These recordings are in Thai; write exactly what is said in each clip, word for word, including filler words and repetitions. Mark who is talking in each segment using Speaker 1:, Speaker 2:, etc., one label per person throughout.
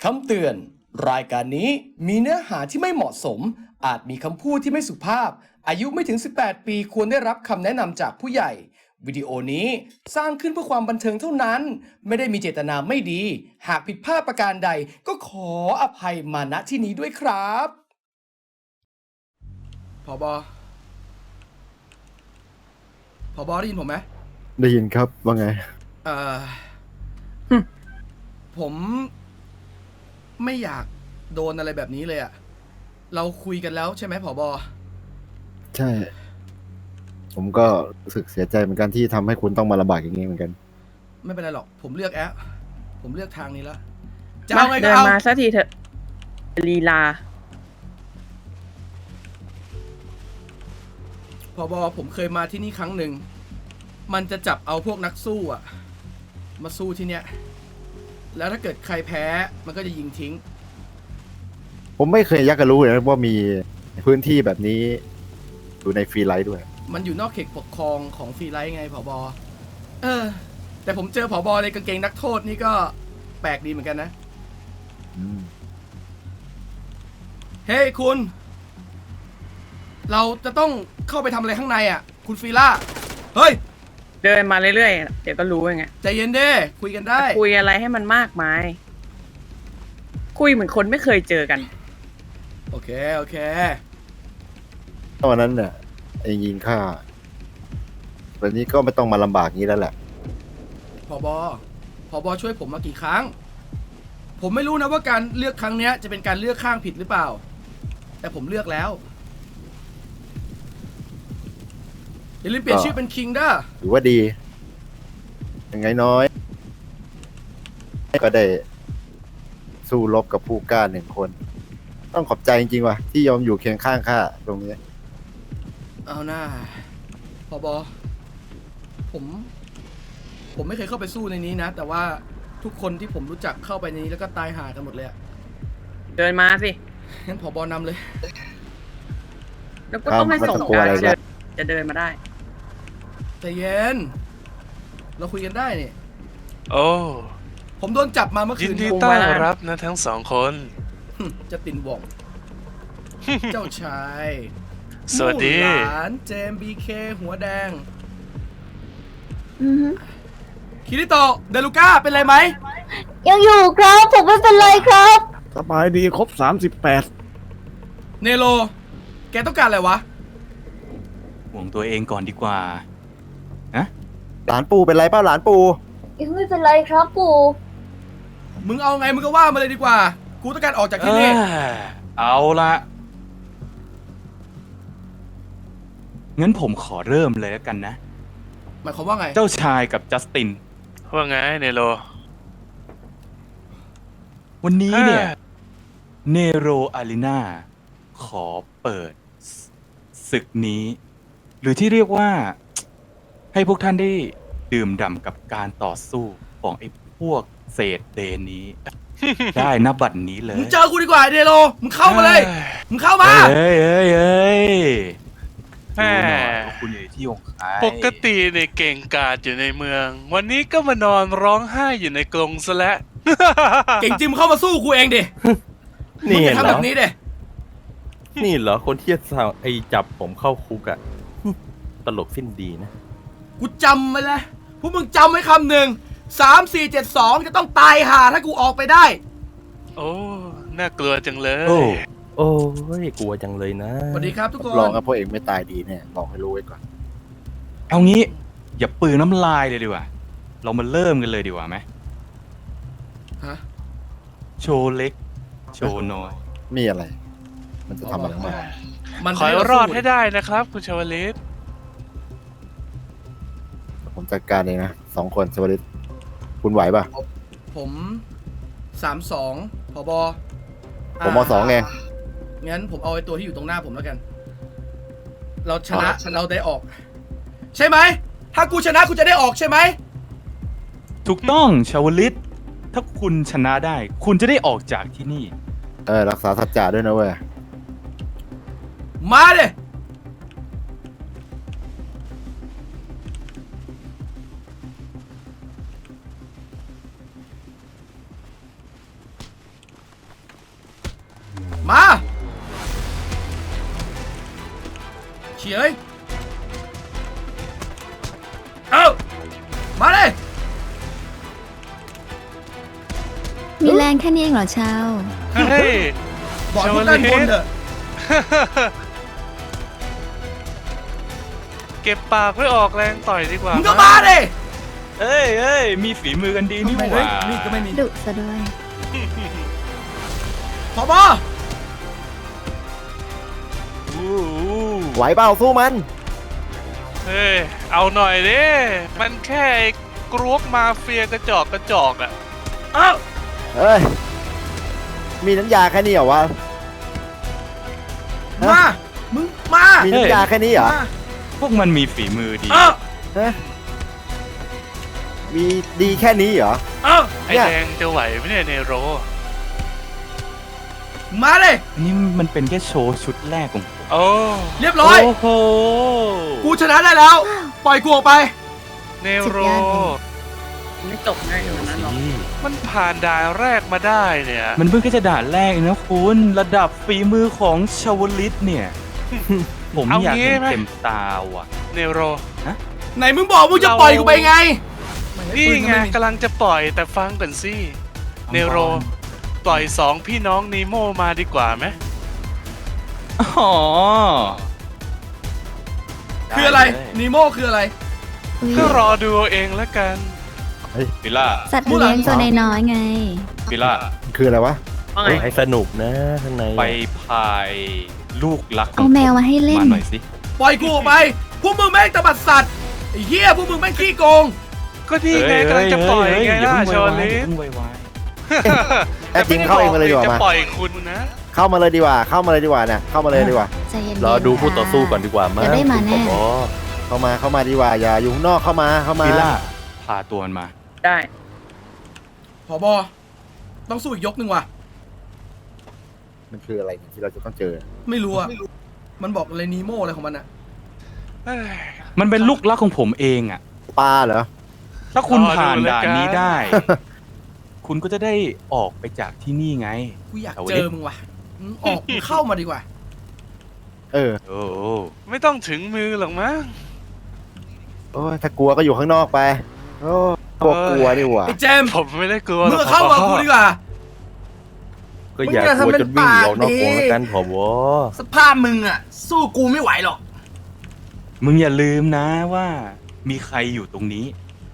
Speaker 1: คำเตือน รายการนี้มีเนื้อหาที่ไม่เหมาะสม อาจมีคำพูดที่ไม่สุภาพ อายุไม่ถึง สิบแปด ปีควรได้รับคำแนะนำจากผู้ใหญ่ วิดีโอนี้สร้างขึ้นเพื่อความบันเทิงเท่านั้น ไม่ได้มีเจตนาไม่ดี หากผิดพลาดประการใด ก็ขออภัยมาณที่นี้ด้วยครับผบผบได้ยินผมไหม
Speaker 2: ได้ยินครับว่าไง
Speaker 1: เอ่อผมไม่อยากโดนอะไรแบบนี้เลยอะเราคุยกันแล้วใช่ไหมผบ
Speaker 2: ใช่ ผมก็รู้สึกเสียใจเหมือนกันที่ทำให้คุณต้องมาลำบากอย่างนี้เหมือนกัน
Speaker 1: ไม่เป็นไรหรอกผมเลือกแอปผมเลือกทางนี้แล้วจะ
Speaker 3: มา
Speaker 1: เอาไงก็
Speaker 3: เดิน
Speaker 1: เอา
Speaker 3: มาสักทีเถอะลีลา
Speaker 1: ผบผมเคยมาที่นี่ครั้งหนึ่งมันจะจับเอาพวกนักสู้อะมาสู้ที่เนี้ยแล้วถ้าเกิดใครแพ้มันก็จะยิงทิ้ง
Speaker 2: ผมไม่เคยยักกะรู้เลยนะว่ามีพื้นที่แบบนี้อยู่ในฟรีไลท์ด้วย
Speaker 1: มันอยู่นอกเขตปกครองของฟรีไลท์ไงผบเออแต่ผมเจอผบในกางเกงนักโทษนี่ก็แปลกดีเหมือนกันนะ
Speaker 2: อืม
Speaker 1: เฮ้ยคุณ เราจะต้องเข้าไปทำอะไรข้างในอ่ะ คุณฟีล่า เฮ้ย
Speaker 3: เดินมาเรื่อยๆเดี๋ยวก็รู้เองไง
Speaker 1: ใจเย็นเด้คุยกันได้
Speaker 3: คุยอะไรให้มันมากมายคุยเหมือนคนไม่เคยเจอกัน
Speaker 1: โอเค โอเค
Speaker 2: ตอนนั้นเนี่ยไอ้ยิงฆ่าแบบนี้ก็ไม่ต้องมาลำบากงี้แล้วแหละ
Speaker 1: ผบผบช่วยผมมากี่ครั้ง ผมไม่รู้นะว่าการเลือกครั้งเนี้ยจะเป็นการเลือกข้างผิดหรือเปล่า แต่ผมเลือกแล้วอย่าลืมเปลี่ยนชื่อเป็นคิงด้า
Speaker 2: ถือว่าดียังไงน้อย ก็ได้สู้รบกับผู้กล้าหนึ่งคน ต้องขอบใจจริงๆว่ะที่ยอมอยู่เคียงข้างข้าตรงนี้
Speaker 1: เอาหน้าผบผม ผมไม่เคยเข้าไปสู้ในนี้นะ แต่ว่าทุกคนที่ผมรู้จักเข้าไปในนี้แล้วก็ตายหากันหมดเลยอะ
Speaker 3: เดินมาสิ
Speaker 1: งั้นผบนำเลย
Speaker 3: แล้วก็ต้องให้ส่งการเดินจะเดินมาได้
Speaker 1: ใจเย็น เราคุยกันได้นี่
Speaker 4: โอ้
Speaker 1: ผมโดนจับมาเมื่อ
Speaker 4: ยิ
Speaker 1: คื
Speaker 4: น
Speaker 1: น
Speaker 4: ดี
Speaker 3: ผม
Speaker 4: ต้อน
Speaker 3: ว่า
Speaker 4: รับนะทั้งสองคน
Speaker 1: จะตินว่อง เจ้าชาย
Speaker 4: สวัสดี
Speaker 1: มู่หลานเจมบีเคหัวแดง
Speaker 5: อือฮึ
Speaker 1: คิริโตะเดลูก้าเป็นไรไหม
Speaker 5: ยังอยู่ครับ ผมไม่เป็นไรครับ
Speaker 6: สบายดีครบสามสิบแปด
Speaker 1: เนโร แกต้องการอะไรวะ
Speaker 7: ห่วงตัวเองก่อนดีกว่านะ
Speaker 2: หลานปู่เป็นไรเปล่าหลานปู่
Speaker 5: ยังไม่เป็นไรครับปู่
Speaker 1: มึงเอาไงมึงก็ว่ามาเลยดีกว่า กูต้องการออกจากที่นี่
Speaker 7: เอ้ยเอาละงั้นผมขอเริ่มเลยแล้วกันนะ
Speaker 1: หมายความว่าไง
Speaker 7: เจ้าชายกับจัสติน
Speaker 4: ว่าไงเนโร
Speaker 7: วันนี้เนี่ยเนโรอารีนาขอเปิดศึกนี้ หรือที่เรียกว่า ให้พวกท่านได้ดื่มด่ำกับการต่อสู้ของไอ้พวกเศษเดนนี้ ได้นับบัดนี้เลย
Speaker 1: มึงเจอกูดีกว่าเนโร มึงเข้ามาเลย มึงเข้ามา
Speaker 7: เอ้ยเอ้ยเอ้ย
Speaker 4: แหม
Speaker 7: ดูหน่อยว่าคุณอยู่ในที่ของใคร
Speaker 4: ปกติเนี่ยเก่งกาจอยู่ในเมือง วันนี้ก็มานอนร้องไห้อยู่ในกรงซะแล้ว
Speaker 1: เก่งจริงมึงเข้ามาสู้กูเองดิ มึง
Speaker 8: นี่
Speaker 1: จะ
Speaker 8: เหร
Speaker 1: ทำ
Speaker 8: อ
Speaker 1: แบบนี้ดิ
Speaker 8: นี่เหรอคนที่จะไอจับผมเข้าคุกอะ ตลกสิ้นดีนะ
Speaker 1: กูจำไว้เลยพวกมึงจำไว้คำหนึ่งสามสี่เจ็ดสองจะต้องตายห่าถ้ากูออกไปได้
Speaker 4: โอ้ น่ากลัวจังเลย
Speaker 2: โอ้
Speaker 8: โอ้ยกลัวจังเลยนะ
Speaker 1: สวัสดีครับทุกคน
Speaker 2: ลองกับพวกเองไม่ตายดีเนี่ยลองให้รู้ไว้ก่อน
Speaker 7: เอางี้ อย่าปืนน้ำลายเลยดีกว่า เรามาเริ่มกันเลยดีกว่าไหม
Speaker 1: ฮะ
Speaker 7: โชว์เล็ก โชว์น้อย
Speaker 2: มีอะไร มันจะทำอะไรมา
Speaker 1: มัน
Speaker 4: ขอให้
Speaker 1: เาร
Speaker 4: อด
Speaker 1: สู้
Speaker 4: ให้ได้นะครับ คุณชวลิต
Speaker 2: ผมจัดการเองนะสองคนสวัสดีคุณไหวป่ะ
Speaker 1: ผมสามสองผบ
Speaker 2: ผมเอาสองเอง
Speaker 1: งั้นผมเอาไอ้ตัวที่อยู่ตรงหน้าผมแล้วกัน เราชนะเราได้ออก ใช่ไหม ถ้ากูชนะกูจะได้ออกใช่ไหม
Speaker 7: ถูกต้องชาวลิต ถ้าคุณชนะได้ คุณจะได้ออกจากที่นี่
Speaker 2: เออรักษาสัจจะด้วยนะเว้ย
Speaker 1: มาเลยเฉยเอ้ามาเลย
Speaker 5: มีแรงแค่นี้เองเหรอเชาว
Speaker 4: เฮ้ย
Speaker 1: บอกพวกด้านบนเถอะ
Speaker 4: เก็บปากไว้ออกแรงต่อยดีกว่า
Speaker 1: มึงก็มาดิ
Speaker 7: เอ้ยเอ้ยมีฝีมือกันดีนี่ห
Speaker 1: ไม่
Speaker 7: ว่า
Speaker 1: นี่ก็ไม่มี
Speaker 5: ดุซะด้วย
Speaker 1: ผบ
Speaker 7: อู้หู
Speaker 2: ไหวเปล่าสู้มัน
Speaker 4: เฮ้ย เอาหน่อยดิ มันแค่ไอ้กรุ๊ปมาเฟียกระจอกกระจอกอะ
Speaker 1: เอ้า
Speaker 2: เอ้ย มีน้ำยาแค่นี้เหรอวะ
Speaker 1: มา มึงมา
Speaker 2: มีน้ำยาแค่นี้เหรอ
Speaker 1: มา
Speaker 7: พวกมันมีฝีมือดี
Speaker 1: เอ้า
Speaker 2: ฮะมีดีแค่นี้เหรอ
Speaker 1: เอ้า
Speaker 4: ไอ้
Speaker 2: เนี่ย
Speaker 4: แดงจะไหวไหมเนี่ยเนโร
Speaker 1: มาเลย
Speaker 7: นี่มันเป็นแค่โชว์ชุดแรกของผม
Speaker 4: โอ้
Speaker 1: เรียบร้อย
Speaker 7: โอ้โห
Speaker 1: กูชนะได้แล้ว ปล่อยกูออกไป
Speaker 4: เนโร
Speaker 5: สุดยอดเลย
Speaker 3: ไม่จบง่ายขนาดนั้นหรอก
Speaker 4: มันผ่านด่านแรกมาได้เนี่ย
Speaker 7: มันเพิ่งแค่จะด่านแรกเองนะคุณระดับฝีมือของชาวลิตเนี่ย ผม
Speaker 4: เอา
Speaker 7: อยาก
Speaker 4: งี้
Speaker 7: เห็น
Speaker 4: ไหม
Speaker 7: เต็มตาว่ะ
Speaker 4: เนโร
Speaker 1: ไหนมึงบอกมึงจะปล่อยกูไปไง
Speaker 4: นี่ไงกำลังจะปล่อยแต่ฟังก่อนสิ เนโร ปล่อยสองพี่น้องนีโมมาดีกว่าไหม
Speaker 7: อ๋อ
Speaker 1: คืออะไร
Speaker 7: ด้เลย
Speaker 1: นีโมคืออะไร
Speaker 5: อุ๊ย
Speaker 4: ก็รอดูเอาเองแล้วกัน
Speaker 7: ปิล่า
Speaker 5: สัตว์เลี้ยงตัวน้อยๆไง
Speaker 7: ปิล่า
Speaker 2: คืออะไรวะ
Speaker 3: ว่าไง
Speaker 8: ให้สนุกนะข้างใน
Speaker 7: ไปพายลูกรักข
Speaker 5: เอา
Speaker 7: ง
Speaker 5: แมวมาให้เล่น
Speaker 7: มาหน่อยสิ
Speaker 1: ปล่อยกูออกไป พวกมึงแม่งตบัดสัตว์ ไอ้เหี้ยพวกมึงแม่งขี้โกง
Speaker 4: ก็นี่ไงกำลังจะปล่อยไงล่ะชอลิ
Speaker 7: อย่า
Speaker 4: ส
Speaker 7: เพิ่งไวาย
Speaker 2: แต่จริงเข้าเองมาเลยดีกว่า
Speaker 4: จะ
Speaker 2: มา
Speaker 4: ปล่อยคุณนะ
Speaker 2: เข้ามาเลยดีกว่า เข้ามาเลยดีกว่าเนี่ย เข้ามาเลยดีกว่า
Speaker 5: ใจเย็นๆ
Speaker 8: รอดูคู่ต่อสู้ก่อนดีกว่ามั้
Speaker 5: เดี๋ยวได้มาแน่
Speaker 8: คุณผอ
Speaker 2: เข้ามา เข้ามาดีกว่า อย่าอยู่ข้างนอก เข้ามา เข้ามา
Speaker 7: ปิล่าพาตัวมันมา
Speaker 3: ได้
Speaker 1: ผบ ต้องสู้อีกยกหนึ่งว่ะ
Speaker 2: มันคืออะไรที่เราจะต้องเจอ
Speaker 1: ไม่รู้อะมันบอกอะไรนีโมอะไรของมันอะ
Speaker 4: เอ้ย
Speaker 7: มันเป็นลูกรักของผมเองอ่ะ
Speaker 2: ปลาเหรอ
Speaker 7: ถ้าคุณ
Speaker 4: รอดู
Speaker 7: ผ่าน
Speaker 4: แล้ว
Speaker 7: ด่าน
Speaker 4: กัน
Speaker 7: นี้ได้ คุณก็จะได้ออกไปจากที่นี่ไง
Speaker 1: กูอยาก
Speaker 7: เอา
Speaker 1: เจ
Speaker 7: ดิ
Speaker 1: อมึงว่ะอืมออกมึงเข้ามาดีกว่า
Speaker 2: เออ
Speaker 7: โอ้โห
Speaker 4: ไม่ต้องถึงมือหรอกมั้ง
Speaker 2: โอ้ยถ้ากลัวก็อยู่ข้างนอกไป โอ้กลัวกลัวดีกว่า
Speaker 1: ไอ้เจมส์
Speaker 4: ผมไม่ได้กลัวหร
Speaker 1: มึ
Speaker 4: อง ก
Speaker 1: เข้ามากูดีกว่า
Speaker 8: ก็อย่ากลัวจนวิ่งออกนอกวงแล้วกันผบ
Speaker 1: สภาพมึงอะสู้กูไม่ไหวหรอก
Speaker 7: มึงอย่าลืมนะว่ามีใครอยู่ตรงนี้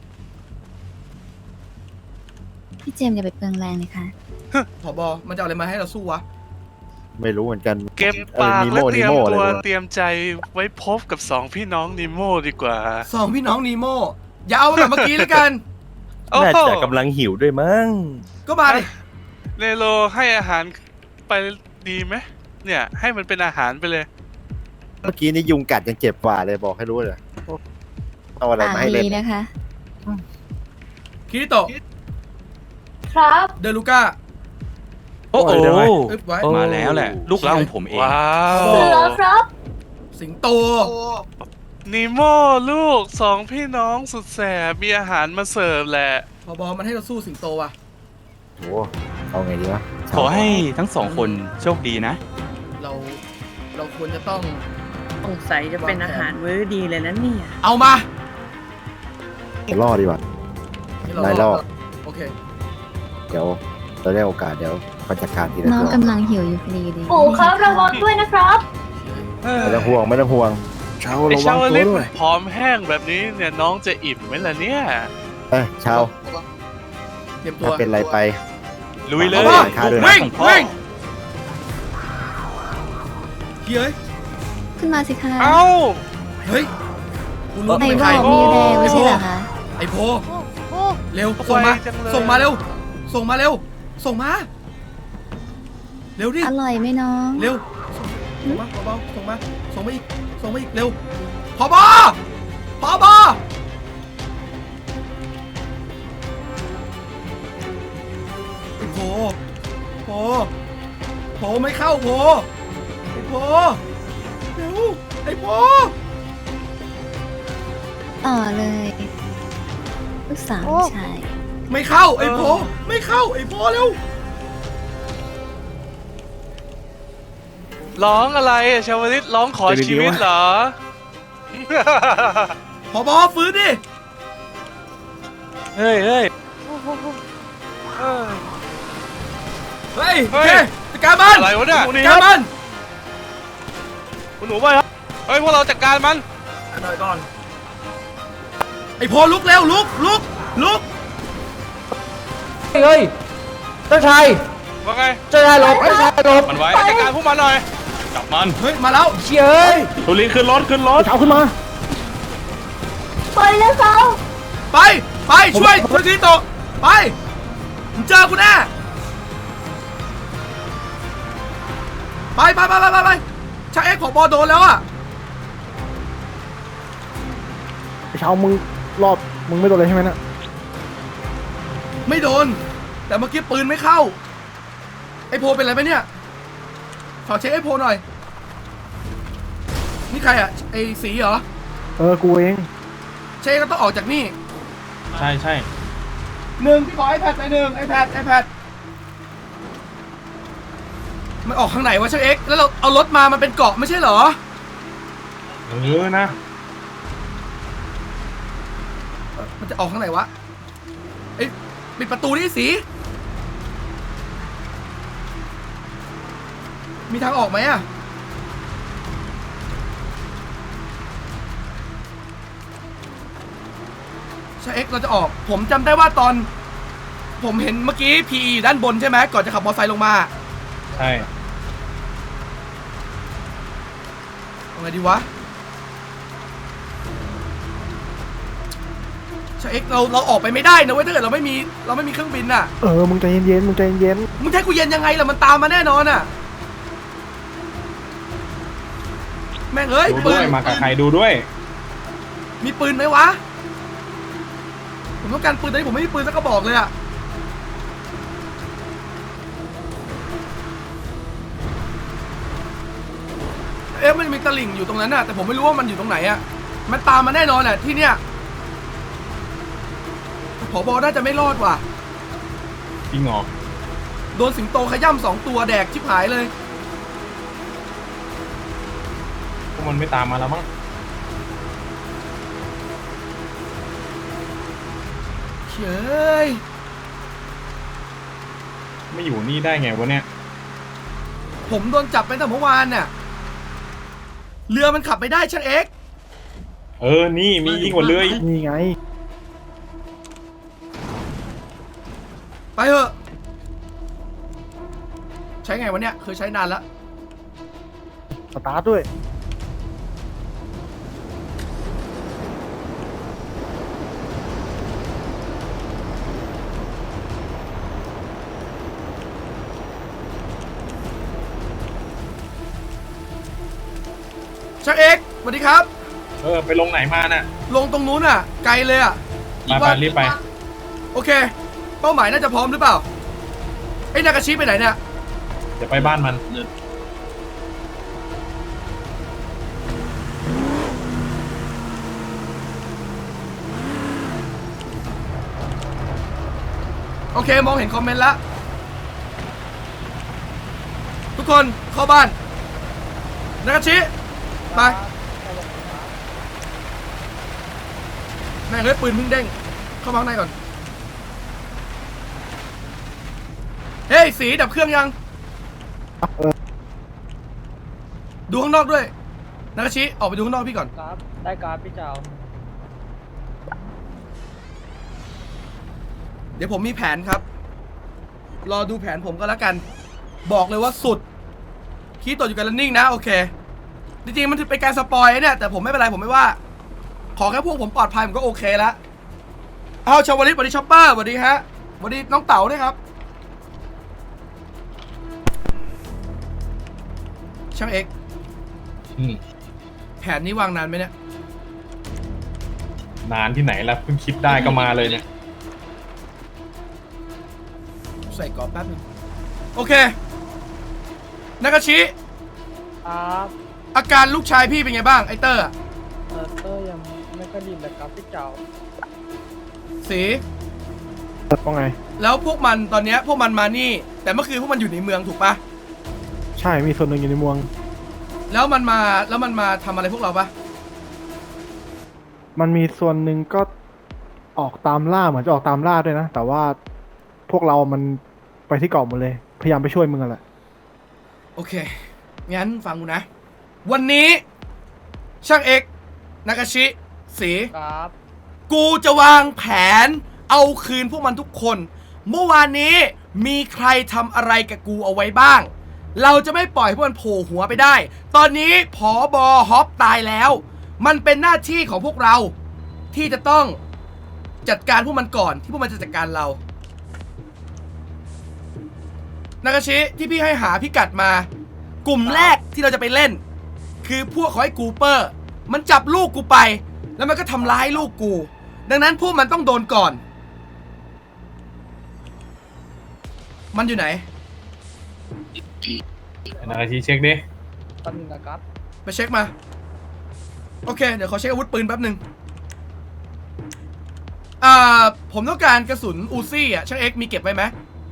Speaker 5: พี่เจมส์อย่าไปเปลืองแรงเลยค่ะ
Speaker 1: ผบ มันจะเอาอะไรมาให้เราสู้วะ
Speaker 2: ไม่รู้เหมือนกัน
Speaker 4: เก็บปาก
Speaker 2: เออ
Speaker 4: และเตรียม
Speaker 2: นีโม่
Speaker 4: ตัว
Speaker 2: นีโม่อะไรวะ
Speaker 4: เตรียมใจไว้พบกับสองพี่น้องนิโมดีกว่า
Speaker 1: สองพี่น้องนีโมอย่าเอาแบบเมื่อกี้แล้วกัน
Speaker 4: โอ้
Speaker 8: น่า
Speaker 4: โห
Speaker 8: จะกำลังหิวด้วยมั้ง
Speaker 1: ก็มาดิ
Speaker 4: เนโรให้อาหารไปดีไหมเนี่ย ให้มันเป็นอาหารไปเลย
Speaker 2: เมื่อกี้นี่ยุงกัดยังเจ็บกว่าเลยบอกให้รู้เลยเอาอะไร
Speaker 5: ปาก
Speaker 2: มาให้เล่น
Speaker 5: ดีนะคะ
Speaker 1: คิริโตะ
Speaker 5: ครับ
Speaker 1: เดลูก้า
Speaker 7: โอ้โห
Speaker 8: โอ้ยเดี๋ยวไว้
Speaker 1: อึ๊บไว้
Speaker 8: โอ้
Speaker 7: มาแล้วแหละ ลูกรักของผมเอง
Speaker 4: ว้าว
Speaker 5: เสือครับ
Speaker 1: สิงโต
Speaker 4: นิโมลูกสองพี่น้องสุดแสบมีอาหารมาเสิร์ฟแหละ
Speaker 1: ผบ มันให้เราสู้สิงโตว่ะ
Speaker 2: โอ้เอาไงดีวะ
Speaker 7: ขอให้ทั้งสองคนโชคดีนะ
Speaker 1: เรา เราควรจะต้อง
Speaker 3: สงสัยจะเป็นอาหารมื้อดีเลยนะเนี่ย
Speaker 1: เอามา
Speaker 2: ล่อดีกว่า
Speaker 1: ให้เรา
Speaker 2: ได้ล่อ
Speaker 1: โอเค
Speaker 2: เดี๋ยวเราได้โอกาสเดี๋ยวเขาจัดการทีละ
Speaker 5: น้อง
Speaker 2: ตัว
Speaker 5: กำลังหิวอยู่พอดีเลยปู่ครับระวังด้วยนะครับ
Speaker 2: ไม่ต้องห่วงไม่ต้องห่วง
Speaker 6: เช้า
Speaker 4: ไอ
Speaker 6: ระวั
Speaker 4: ชาง ว
Speaker 6: ตัว
Speaker 4: ลิป
Speaker 6: ด้วย
Speaker 4: ผอมแห้งแบบนี้เนี่ยน้องจะอิ่มไหมล่ะเนี่ย
Speaker 2: เอ้ยชาว
Speaker 1: เตรียมตัว
Speaker 2: ถ้าเป็นไรไป
Speaker 7: ลุยเลย
Speaker 2: เอาบ้างขาด้วยนะ
Speaker 7: ลูกรักของพ่อ
Speaker 1: วิ่ง เฮ้ย
Speaker 5: ขึ้นมาสิคะ
Speaker 4: เอ้า
Speaker 1: เฮ้ยกูรู้
Speaker 5: ไหน
Speaker 1: เป็น
Speaker 5: บ
Speaker 1: ใคร
Speaker 5: อกมีแรงไม่ใช่เหรอคะ
Speaker 1: ไอ้โพ เร็ว ส่งมา
Speaker 4: ไวจังเลย
Speaker 1: ส่งมาเร็ว ส่งมาเร็ว ส่งมา เร็วดิ
Speaker 5: อร่อยไหมน้อง
Speaker 1: เร็ว ส่งมาเบาๆส่งมา ส่งมาอีก ส่งมาอีก เร็วพอบอพอบอไอ้โพโพโพไม่เข้าโพไอ้โพเร็ว ไอ้โพ
Speaker 5: ต่อเลยลูกสาวชาย
Speaker 1: ไม่เข้า ไอ้โพไม่เข้า ไอ้โพเร็ว
Speaker 4: ร้องอะไรอะชาวลิตร้องขอชีวิตเหรอ
Speaker 1: ผบฟื้นดิ
Speaker 7: เฮ้ยเฮ้ย
Speaker 4: เออ
Speaker 1: เฮ้ย
Speaker 4: เฮ้
Speaker 1: โอย เคจัดการมัน
Speaker 4: อะไรวะเนี่ย
Speaker 1: จัดการมัน
Speaker 4: คุณหนูไปครับเฮ้ยพวกเราจัดการมัน
Speaker 1: หน่อยก่อนไอ้โพลุกเร็วลุกลุกลุก
Speaker 9: เฮ้ยเจ้าชาย
Speaker 4: ว่าไง
Speaker 9: เจ้าชายหลบเจ้าชายหลบ
Speaker 7: มันไว้
Speaker 4: จัดการพวกมันหน่อย
Speaker 7: จับมัน
Speaker 1: เฮ้ยมาแล้ว
Speaker 9: เชี่ยเอ้ย
Speaker 7: ตุลีขึ้นรถขึ้นรถ
Speaker 6: เช้าขึ้นมา
Speaker 5: ปล่อยแล้วเขา
Speaker 1: ไปไปช่วยช่วยทีโตะไปมึงเจอกูแน่ไปไปไปไปไปไปชาเอ็กซ์ของบอโดนแล้วอ่ะ
Speaker 6: เช้ามึงรอบมึงไม่โดนเลยใช่ไหมเนะ
Speaker 1: ไม่โดน แต่เมื่อกี้ปืนไม่เข้าไอโพเป็นอะไรไปเนี่ยขอเช็คไอโพหน่อยนี่ใครอ่ะไอสีเหรอ
Speaker 6: เออ กูเอง
Speaker 1: เช็คก็ต้องออกจากนี่
Speaker 7: ใช่ใช่
Speaker 1: หนึ่งพี่ขอไอแพดไปหนึ่งไอแพดไอแพดมันออกข้างไหนวะเช็คเอ็กซ์แล้วเราเอารถมามันเป็นเกาะไม่ใช่เหรอ
Speaker 7: เออนะ
Speaker 1: มันจะออกข้างไหนวะไอ้ปิดประตูนี่สีมีทางออกไหมอะใช่เอ็กซ์เราจะออก ผมจำได้ว่าตอน ผมเห็นเมื่อกี้ พี อี ด้านบนใช่ไหมก่อนจะขับมอเตอร์ไซค์ลงมา
Speaker 7: ใช่
Speaker 1: เอาไงดีวะใช่เอ็กซ์เราเราออกไปไม่ได้นะเว้ยถ้าเกิดเราไม่มีเราไม่มีเครื่องบินน่ะ
Speaker 6: เออ มึงใจเย็นๆ มึงใจเย็น
Speaker 1: มึงจะให้กูเย็นยังไงล่ะมันตามมาแน่นอนอ่ะแม่งเอ้ย
Speaker 7: ดู
Speaker 1: ปื
Speaker 7: ด้วน ยมากับใครดูด้วย
Speaker 1: มีปืนไหมวะผมต้องการปืนตอนนี้ผมไม่มีปืนสักกระบอกเลยอ่ะเอ๊ะมันมีตะลิ่งอยู่ตรงนั้นน่ะแต่ผมไม่รู้ว่ามันอยู่ตรงไหนอ่ะมันตามมาแน่นอนแหละที่เนี้ยผบน่าจะไม่รอดว่ะ
Speaker 7: จริงเหรอ
Speaker 1: โดนสิงโตขย่ำสองตัวแดกชิบหายเลย
Speaker 7: พวกมันไม่ตามมาแล้วมั้ง
Speaker 1: เฮ้ย
Speaker 7: ไม่อยู่นี่ได้ไงวะเนี่ย
Speaker 1: ผมโดนจับไปตั้งแต่เมื่อวานน่ะเรือมันขับไม่ได้ช่างเอ็กซ์
Speaker 7: เออ นี่มียิ่งกว่าเรือ
Speaker 6: ๆ นี่ไง
Speaker 1: ไปเถอะใช้ไงวะเนี่ยเคยใช้นานแล้ว
Speaker 6: สตาร์ทด้วย
Speaker 1: ช่างเอ็กซ์สวัสดีครับ
Speaker 7: เออ ไปลงไหนมาน่ะ
Speaker 1: ลงตรงนู้นอ่ะ ไกลเลยอ่ะ
Speaker 7: มาไปรีบไป
Speaker 1: โอเค เป้าหมายน่าจะพร้อมหรือเปล่าไอ้นากาชิไปไหนเนี่ย
Speaker 7: เดี๋ยวไปบ้านมัน
Speaker 1: โอเคมองเห็นคอมเมนต์แล้วทุกคนเข้าบ้านนากาชิไปแม่งเลยปืนเพิ่งเด้งเข้ามาข้างในก่อนเฮ้ยสีดับเครื่องยังดูข้างนอกด้วยนากาชิออกไปดูข้างนอกพี่ก่อน
Speaker 9: ครับ ได้การพี่เจ้า
Speaker 1: เดี๋ยวผมมีแผนครับ รอดูแผนผมก็แล้วกัน บอกเลยว่าสุดคีย์ตัวอยู่กัน running นะโอเคจริงๆมันเป็นการสปอยเนี่ยแต่ผมไม่เป็นไรผมไม่ว่า ขอแค่พวกผมปลอดภัยผมก็โอเคแล้วเอาชาวลิตสวัสดีช็อปเปอร์สวัสดีฮะสวัสดีน้องเต๋าด้วยครับช่างเอก
Speaker 7: อืม
Speaker 1: แผนนี้วางนานไหมเนี่ย
Speaker 7: นานที่ไหนล่ะเพิ่งคิดได้ก็มาเลยเนี่ย
Speaker 1: ใส่กรอบแป๊บนึงโอเค นากาชิ
Speaker 9: ครับ
Speaker 1: อาการลูกชายพี่เป็นไงบ้างไอเตอร์อะ
Speaker 9: เออเตอร์ยังไม่ค่อยดีเลยครับพี่เจ้า
Speaker 1: สี
Speaker 6: ว่าไง
Speaker 1: แล้วพวกมันตอนเนี้ยพวกมันมานี่ แต่เมื่อคืนพวกมันอยู่ในเมืองถูกปะ
Speaker 6: ใช่ มีส่วนหนึ่งอยู่ในเมือง
Speaker 1: แล้วมันมาแล้วมันมาทำอะไรพวกเราปะ
Speaker 6: มันมีส่วนหนึ่งก็ออกตามล่าเหมือนจะออกตามล่าด้วยนะ แต่ว่าพวกเรามันไปที่เกาะหมดเลย พยายามไปช่วยมึงอะแหละ
Speaker 1: โอเค งั้นฟังกูนะ วันนี้ ช่างเอกนากาชิสี
Speaker 9: ครับ
Speaker 1: กูจะวางแผนเอาคืนพวกมันทุกคน เมื่อวานนี้มีใครทำอะไรกับกูเอาไว้บ้าง เราจะไม่ปล่อยให้พวกมันโผล่หัวไปได้ ตอนนี้ผอบอฮอปตายแล้ว มันเป็นหน้าที่ของพวกเรา ที่จะต้องจัดการพวกมันก่อนที่พวกมันจะจัดการเรา นากาชิที่พี่ให้หาพิกัดมา กลุ่มแรกที่เราจะไปเล่น คือพวกของไอ้กูเปอร์ มันจับลูกกูไป แล้วมันก็ทำร้ายลูกกู ดังนั้นพวกมันต้องโดนก่อน มันอยู่ไหน
Speaker 10: นาทีเช็คดิ
Speaker 9: ตอนนึงนะครับ
Speaker 1: ไปเช็คมา โอเค เดี๋ยวขอเช็คอาวุธปืนแป๊บหนึ่งอ่าผมต้องการกระสุนอูซี่อ่ะช่างเอ็กซ์มีเก็บไว้ไหม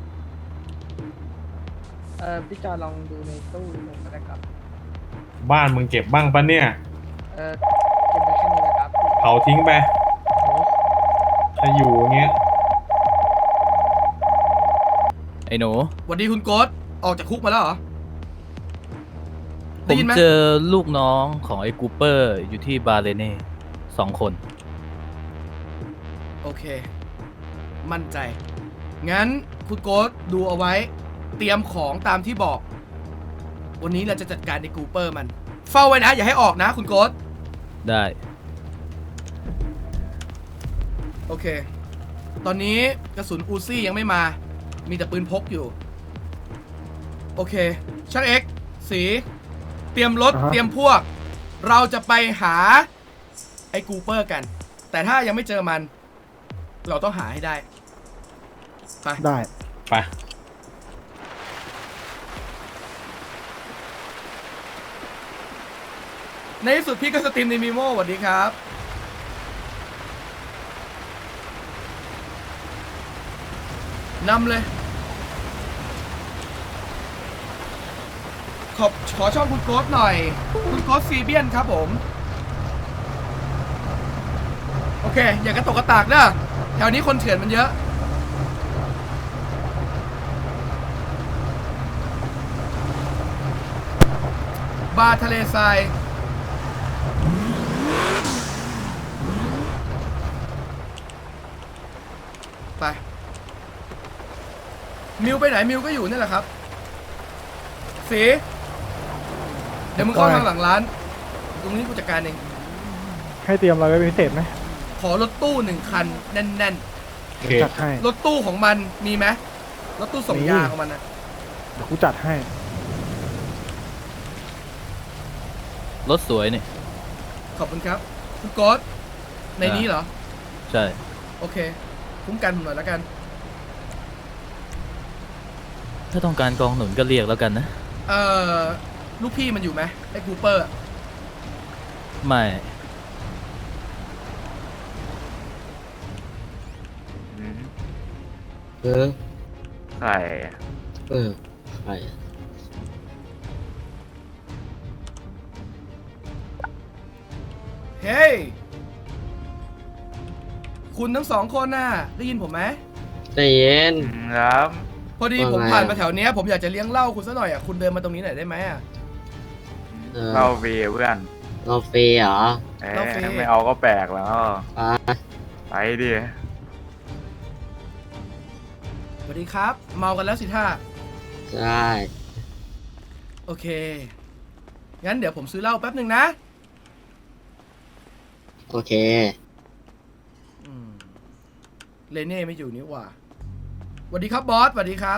Speaker 9: เอ่อพี่จอยลองดูในตู้ลงก็ได้ครับ
Speaker 10: บ้านมึงเก็บบ้างปะเนี่ย
Speaker 9: เอ่อเก็บไว้แค่นี้นะครับ
Speaker 10: เผาทิ้งไป
Speaker 9: โอ้
Speaker 10: ถ้าอยู่อย่างเงี้ย
Speaker 11: ไอ้หนู
Speaker 1: สวัสดีคุณโกสออกจากคุกมาแล้วเหรอ
Speaker 11: ผ
Speaker 1: ได้
Speaker 11: ม
Speaker 1: ยินไหม
Speaker 11: เจอลูกน้องของไอ้กูเปอร์อยู่ที่บาเลเน่สองคน
Speaker 1: โอเค มั่นใจ งั้นคุณโกสดูเอาไว้ เตรียมของตามที่บอก วันนี้เราจะจัดการในกูเปอร์มัน เฝ้าไว้นะ อย่าให้ออกนะคุณโกส
Speaker 11: ได้
Speaker 1: โอเค ตอนนี้กระสุนอูซี่ยังไม่มา มีแต่ปืนพกอยู่ โอเค ช่างเอ็กซ์สี เตรียมรถ
Speaker 6: อ่าฮะ
Speaker 1: เตรียมพวก เราจะไปหาไอ้กูเปอร์กัน แต่ถ้ายังไม่เจอมัน เราต้องหาให้ได้ ไป
Speaker 6: ได้
Speaker 10: ไป
Speaker 1: ในที่สุดพี่ก็สตรีมในมีโมสวัสดีครับ นำเลย ขอบขอช่องคุณโกสหน่อย คุณโกสซีเบียนครับผม โอเค อย่ากระตกกระตากเด้อแถวนี้คนเถื่อนมันเยอะ บาร์ทะเลทราย ไป มิวไปไหนมิวก็อยู่นี่แหละครับสีเดี๋ยวมึงเข้าทางหลังร้าน ตรงนี้กูจัดการเอง
Speaker 6: ให้เตรียมอะไรไว้เป็นพิเศษไหม
Speaker 1: ขอรถตู้หนึ่งคัน แน่น
Speaker 10: โอเค
Speaker 6: จัดให้
Speaker 1: ๆ รถตู้ของมันมีไหมรถตู้ส่ง
Speaker 6: มี
Speaker 1: ยาของมันนะ
Speaker 6: เดี๋ยวกูจัดให้
Speaker 11: รถสวยนี่
Speaker 1: ขอบคุณครับ คุณโกสในนี้เหรอ
Speaker 11: ใช่
Speaker 1: โอเค คุ้มกันผมหน่อยแล้วกัน
Speaker 11: ถ้าต้องการกองหนุนก็เรียกแล้วกันนะ
Speaker 1: เอ่อ ลูกพี่มันอยู่ไหมไอ้กูเปอร์อะ
Speaker 11: ไม่
Speaker 12: เออ
Speaker 8: ใคร
Speaker 12: เออใคร
Speaker 1: เฮ้ย คุณทั้งสองคนน่ะ ได้ยินผมไหม
Speaker 12: ใจเย็น
Speaker 8: ครับ
Speaker 1: พอดี
Speaker 12: ว่าไง
Speaker 1: ผมผ่านมาแถวเนี้ยผมอยากจะเลี้ยงเหล้าคุณซะหน่อยอ่ะ คุณเดินมาตรงนี้หน่อยได้ไหมอ่ะ
Speaker 12: เออ
Speaker 8: เราเวีเพื่อน
Speaker 12: เราฟรีเหรอ
Speaker 8: เอ้
Speaker 1: เราฟรี
Speaker 8: ไม่เอาก็แปลกแล้ว
Speaker 12: อ่า
Speaker 8: ไปดิ
Speaker 1: สวัสดีครับ เมากันแล้วสิท่า
Speaker 12: ใช่
Speaker 1: โอเค งั้นเดี๋ยวผมซื้อเหล้าแป๊บหนึ่งนะ
Speaker 12: โอเค
Speaker 1: อืมเลเน่ไม่อยู่นี่หว่าสวัสดีครับบอสสวัสดีครับ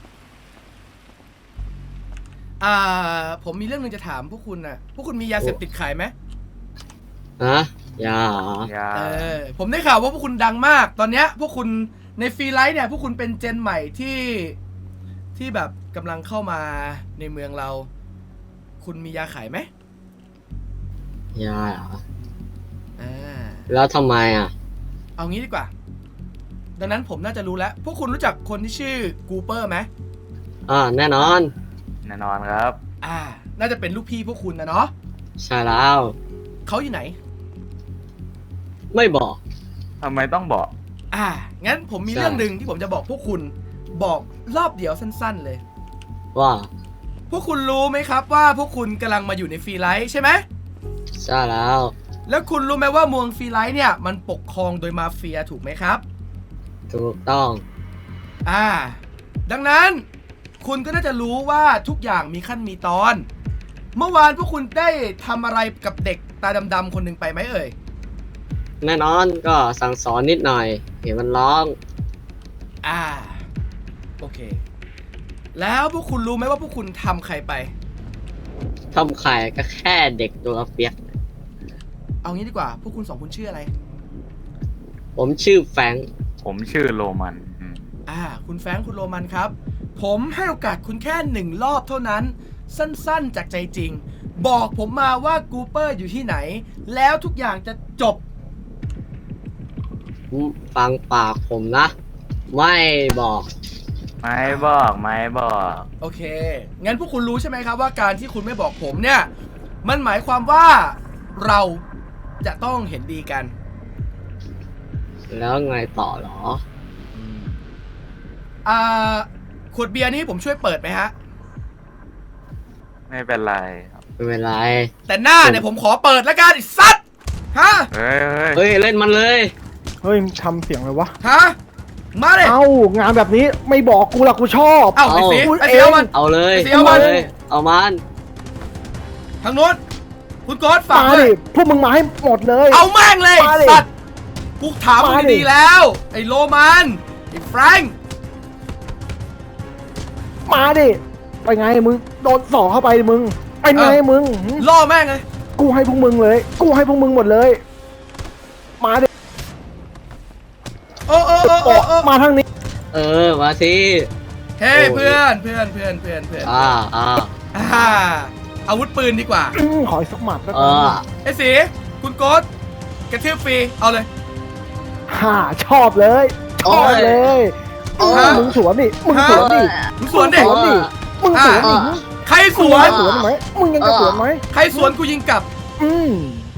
Speaker 1: อ่า ผมมีเรื่องหนึงจะถามพวกคุณน่ะ พวกคุณมียาเสพติดขายไหม
Speaker 12: ฮะยาเหรอ
Speaker 8: อย่า
Speaker 1: เออ ผมได้ข่าวว่าพวกคุณดังมาก ตอนเนี้ยพวกคุณในฟรีไลท์เนี่ย พวกคุณเป็นเจนใหม่ที่ที่แบบกำลังเข้ามาในเมืองเรา คุณมียาขายไหม
Speaker 12: ยาเหรอ
Speaker 1: อ่า
Speaker 12: แล้วทำไมอ่ะ
Speaker 1: เอางี้ดีกว่า ดังนั้นผมน่าจะรู้แล้ว พวกคุณรู้จักคนที่ชื่อกูเปอร์ไหม
Speaker 12: อ่า แน่นอน
Speaker 8: แน่นอนครับ
Speaker 1: อ่าน่าจะเป็นลูกพี่พวกคุณนะเนาะ
Speaker 12: ใช่แล้ว
Speaker 1: เขาอยู่ไหน
Speaker 12: ไม่บอก
Speaker 7: ทำไมต้องบอก
Speaker 1: อ่า งั้นผมมี
Speaker 12: ใช่
Speaker 1: เรื่องหนึ่งที่ผมจะบอกพวกคุณ บอกรอบเดียวสั้นๆเลย
Speaker 12: ว่า
Speaker 1: พวกคุณรู้ไหมครับว่าพวกคุณกำลังมาอยู่ในฟรีไลท์ใช่ไหม
Speaker 12: ใช่แล้ว
Speaker 1: แล้วคุณรู้ไหมว่าเมืองฟรีไลท์เนี่ยมันปกครองโดยมาเฟียถูกไหมครับ
Speaker 12: ถูกต้อง
Speaker 1: อ่า ดังนั้นคุณก็น่าจะรู้ว่าทุกอย่างมีขั้นมีตอน เมื่อวานพวกคุณได้ทำอะไรกับเด็กตาดำๆคนหนึ่งไปไหมเอ่ย
Speaker 12: แน่นอนก็สั่งสอนนิดหน่อย เห็นมันร้อง
Speaker 1: อ่า โอเค แล้วพวกคุณรู้ไหมว่าพวกคุณทำใครไป
Speaker 12: ทำไข่ก็แค่เด็กตัวเปียก
Speaker 1: เอางี้ดีกว่า พวกคุณสองคนชื่ออะไร
Speaker 12: ผมชื่อแฟรงค์
Speaker 7: ผมชื่อโรมันอืม
Speaker 1: อ่า คุณแฟรงค์คุณโรมันครับ ผมให้โอกาสคุณแค่หนึ่งรอบเท่านั้น สั้นๆจากใจจริง บอกผมมาว่ากูเปอร์อยู่ที่ไหน แล้วทุกอย่างจะจบ
Speaker 12: ฟังปากผมนะ ไม่บอก
Speaker 7: ไม่บอกไม่บอก
Speaker 1: โอเค งั้นพวกคุณรู้ใช่ไหมครับว่าการที่คุณไม่บอกผมเนี่ย มันหมายความว่าเราจะต้องเห็นดีกัน
Speaker 12: แล้วไงต่อหรอ
Speaker 1: อ่า ขวดเบียร์นี้ผมช่วยเปิดไหมฮะ
Speaker 7: ไม่เป็นไรครับ
Speaker 12: ไม่เป็นไร
Speaker 1: แต่หน้าเนี่ยผมขอเปิดแล้วกันไอ้สัตว์ฮะ
Speaker 7: เฮ้ยเฮ้ย
Speaker 12: เฮ้ย เล่นมันเลย
Speaker 6: เฮ้ยทำเสียงเลยวะ
Speaker 1: ฮะ มาเลย
Speaker 6: เอ้างานแบบนี้ไม่บอกกูละกูชอบ
Speaker 1: เอ้าไอ้สี
Speaker 6: พูด
Speaker 1: ไอ้สีเอามัน
Speaker 12: เอาเลย
Speaker 1: ไอ้เสี่ยวมัน
Speaker 12: เลย เอามัน
Speaker 1: ทางโน้นคุณโก๊อตฝาก
Speaker 6: มา
Speaker 1: เล
Speaker 6: ดิ
Speaker 1: ย
Speaker 6: พวกมึงมาให้หมดเลย
Speaker 1: เอาแม่งเลย
Speaker 6: มาดิ
Speaker 1: สัตว์กูถามมึง
Speaker 6: มาดิ
Speaker 1: ดีๆแล้ว ไอ้โรมันไอ้แฟรงค์
Speaker 6: มาดิไปไงมึงโดนสอกเข้าไปมึงไปไงมึงหึ
Speaker 1: ล่อแม่งเลย
Speaker 6: กูให้พวกมึงเลย กูให้พวกมึงหมดเลย มาดิ
Speaker 1: โอ้โอ้โอ้โอ้โอ้
Speaker 6: มาทางนี้
Speaker 12: เออ มาสิ
Speaker 1: เฮ้ย
Speaker 12: โอ้ย
Speaker 1: เพื่อนเพื่อนเพื่อนเพื่อนเพื่อน
Speaker 12: อ่าอ่า
Speaker 1: อ่าอาวุธปืนดีกว่า
Speaker 6: อื้อขออีกสักหมัดแล้ว
Speaker 12: เอ
Speaker 6: กัน
Speaker 12: อ
Speaker 1: ไอ้สีคุณโก๊ตกระทืบฟรี เอาเลย
Speaker 6: ฮ่าชอบเลยชอบเลย
Speaker 12: โอ้ย
Speaker 6: มึงสวนดิมึงสวนดิ
Speaker 1: มึงสวนดิ
Speaker 6: มึงสวนดิมึงสวนดิ
Speaker 1: ใครส
Speaker 6: มึง
Speaker 1: ว
Speaker 6: ยัง
Speaker 1: น
Speaker 6: จะสวนไหมมึงยังจะสวนไหม
Speaker 1: ใครสวนกูยิงกลับ
Speaker 6: อืม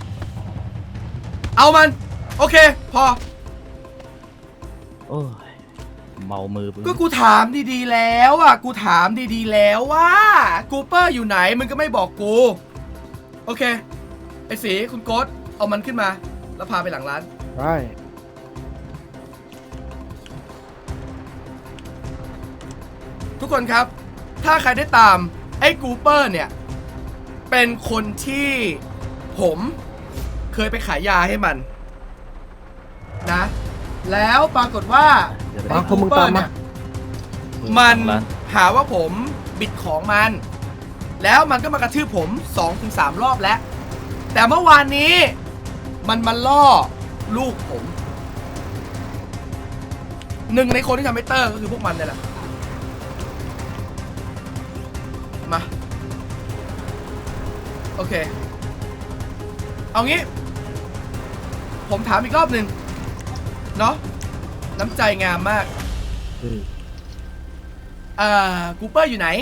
Speaker 1: เอามัน โอเค พอ
Speaker 11: โอ้ย เมามือ
Speaker 1: ก็กูถามดีๆแล้วอ่ะ กูถามดีๆแล้วว่ากูเปอร์อยู่ไหน มึงก็ไม่บอกกู โอเค ไอ้สีคุณโก๊ตเอามันขึ้นมา แล้วพาไปหลังร้าน
Speaker 6: ได้
Speaker 1: ทุกคนครับ ถ้าใครได้ตามไอ้กูเปอร์เนี่ย เป็นคนที่ผมเคยไปขายยาให้มันนะ แล้วปรากฏว่า
Speaker 6: มาพวกมึงตามมา
Speaker 1: มัน
Speaker 11: ร้าน
Speaker 1: หาว่าผมบิดของมัน แล้วมันก็มากระทืบผม สองถึงสาม รอบแล้ว แต่เมื่อวานนี้มันมาล่อลูกผม หนึ่งในคนที่ทำให้เตอร์ก็คือพวกมันนี่แหละ มา โอเค เอางี้ ผมถามอีกรอบหนึ่งเนาะน้ำใจงามมาก
Speaker 12: อืม
Speaker 1: อ่ากูเปอร์อยู่ไหน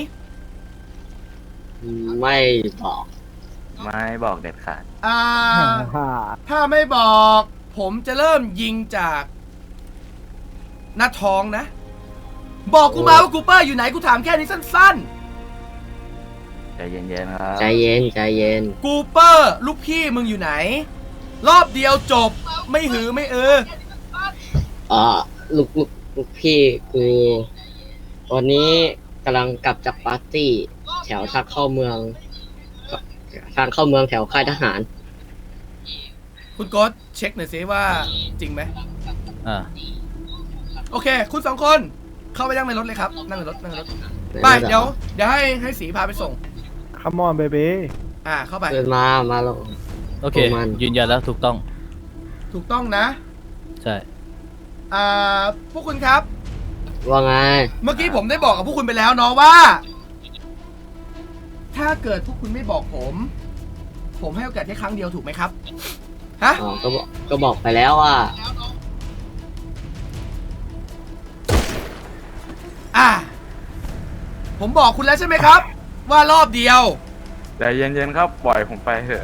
Speaker 12: ไม่บอก
Speaker 7: ไม่บอกเด็ดขาด
Speaker 1: อ่า
Speaker 6: ฮ่า
Speaker 1: ถ้าไม่บอก ผมจะเริ่มยิงจากหน้าท้องนะ บอกกูมาว่ากูเปอร์อยู่ไหนกูถามแค่นี้สั้น
Speaker 7: ใจเย็นๆครับ
Speaker 12: ใจเย็น ใจเย็น
Speaker 1: ๆ กูเปอร์ลูกพี่มึงอยู่ไหน รอบเดียวจบไม่หือไม่เออ
Speaker 12: อ่าลูกลูกลูกพี่กูวันนี้กำลังกลับจากปาร์ตี้ แถวทางเข้าเมืองทางเข้าเมืองแถวค่ายทหาร
Speaker 1: คุณโก๊ตเช็คหน่อยซิว่าจริงไหม
Speaker 11: อ่า
Speaker 1: โอเค คุณสองคนเข้าไปนั่งในรถเลยครับ นั่งในรถนั่งในรถไปเดี๋ยวเดี๋ยวให้ให้สีพาไปส่ง
Speaker 6: คัมอนเบบี
Speaker 1: อ่าเข้าไป
Speaker 12: เดินมา มาลง
Speaker 11: โอเค
Speaker 12: ประมาณ
Speaker 11: ยืนยันแล้วถูกต้อง
Speaker 1: ถูกต้องนะ
Speaker 11: ใช่
Speaker 1: อ่าพวกคุณครับ
Speaker 12: ว่าไง
Speaker 1: เมื่อกี้ผมได้บอกกับพวกคุณไปแล้วเนาะว่า ถ้าเกิดพวกคุณไม่บอกผม ผมให้โอกาสแค่ครั้งเดียวถูกไหมครับ ฮะ
Speaker 12: อ๋อ ก็บอก ก็บอกไปแล้วว่า
Speaker 1: อ่า ผมบอกคุณแล้วใช่ไหมครับ ว่ารอบเดียว
Speaker 8: ใจเย็นๆครับปล่อยผมไปเถอะ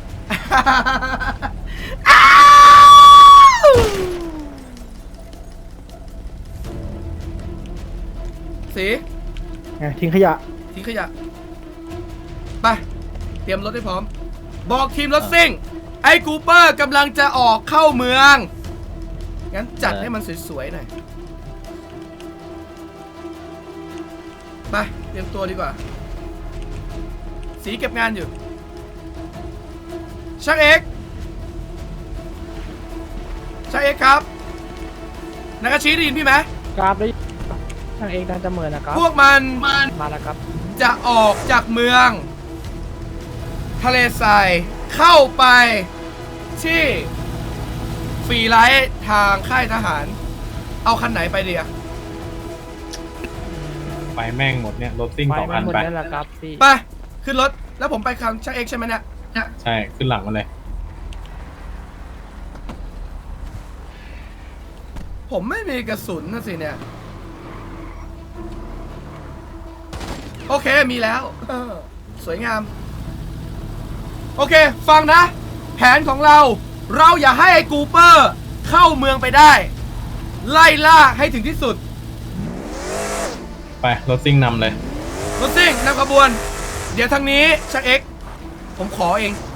Speaker 1: สี
Speaker 6: ไงทิ้งขยะ
Speaker 1: ทิ้งขยะ ไป เตรียมรถให้พร้อม บอกทีมรถซิ่ง ไอ้กูเปอร์กำลังจะออกเข้าเมือง งั้นจัดให้มันสวยๆหน่อย ไป เตรียมตัวดีกว่า สีเก็บงานอยู่ ช่างเอกช่างเอกครับนากาชิได้ยินพี่ไหม
Speaker 3: ครับได้ทางเองดันจะเหมือนนะครับ
Speaker 1: พวกมัน
Speaker 3: มาแล้วครับ
Speaker 1: จะออกจากเมือง ทะเลทรายเข้าไปที่ฟรีไลท์ทางค่ายทหาร เอาคันไหนไปดีอะ
Speaker 10: ไปแม่งหมดเนี่ยรถซิ่งสองคันไป
Speaker 1: ไป ขึ้นรถ แล้วผมไปคันช่างเอกใช่ไหมเนี่ย
Speaker 10: ใช่ขึ้นหลังมาเลย
Speaker 1: ผมไม่มีกระสุนนะสิเนี่ย โอเคมีแล้วเออสวยงาม โอเค ฟังนะ แผนของเรา เราอย่าให้ไอ้กูเปอร์เข้าเมืองไปได้ ไล่ล่าให้ถึงที่สุด
Speaker 10: ไปรถซิ่งนำเลย
Speaker 1: รถซิ่งนำขบวน เดี๋ยวทางนี้ชักเอ็กซ์ผมขอเอง